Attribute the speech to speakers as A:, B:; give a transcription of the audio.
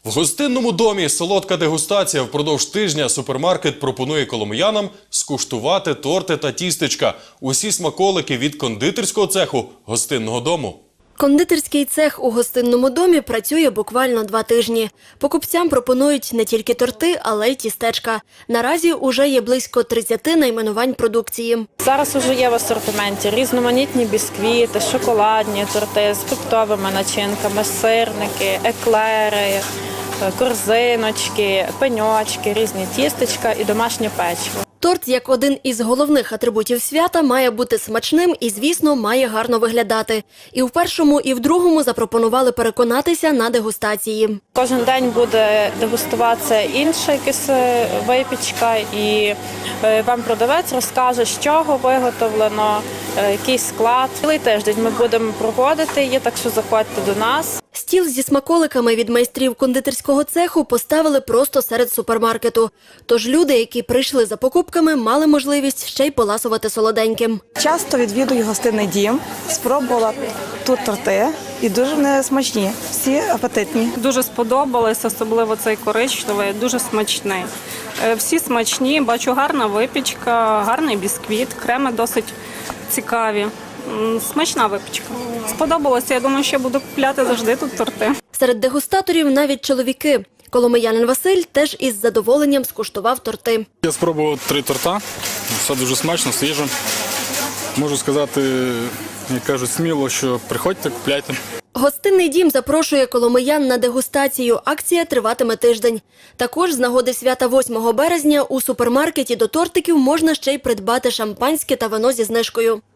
A: В гостинному домі солодка дегустація. Впродовж тижня супермаркет пропонує коломиянам скуштувати торти та тістечка. Усі смаколики від кондитерського цеху гостинного дому.
B: Кондитерський цех у гостинному домі працює буквально 2 тижні. Покупцям пропонують не тільки торти, але й тістечка. Наразі уже є близько 30 найменувань продукції.
C: Зараз уже є в асортименті різноманітні бісквіти, шоколадні торти з фруктовими начинками, сирники, еклери, корзиночки, пеньочки, різні тістечка і домашнє печиво.
B: Торт, як один із головних атрибутів свята, має бути смачним і, звісно, має гарно виглядати. І в першому, і в другому запропонували переконатися на дегустації.
C: Кожен день буде дегустуватися інша якась випічка, і вам продавець розкаже, з чого виготовлено, який склад. Цілий тиждень ми будемо проводити її, так що заходьте до нас.
B: Стіл зі смаколиками від майстрів кондитерського цеху поставили просто серед супермаркету. Тож люди, які прийшли за покупками, мали можливість ще й поласувати солоденьким.
D: Часто відвідую гостинний дім, спробувала тут торти і дуже вони смачні, всі апетитні.
E: Дуже сподобалось, особливо цей коричневий, дуже смачний. Всі смачні, бачу гарна випічка, гарний бісквіт, креми досить цікаві. Смачна випічка. Сподобалося, я думаю, що буду купляти завжди тут торти.
B: Серед дегустаторів навіть чоловіки. Коломиянин Василь теж із задоволенням скуштував торти.
F: Я спробував 3 торта, все дуже смачно, свіже. Можу сказати, як кажуть, сміло, що приходьте, купляйте.
B: Гостинний дім запрошує коломиян на дегустацію. Акція триватиме тиждень. Також з нагоди свята 8 березня у супермаркеті до тортиків можна ще й придбати шампанське та вино зі знижкою.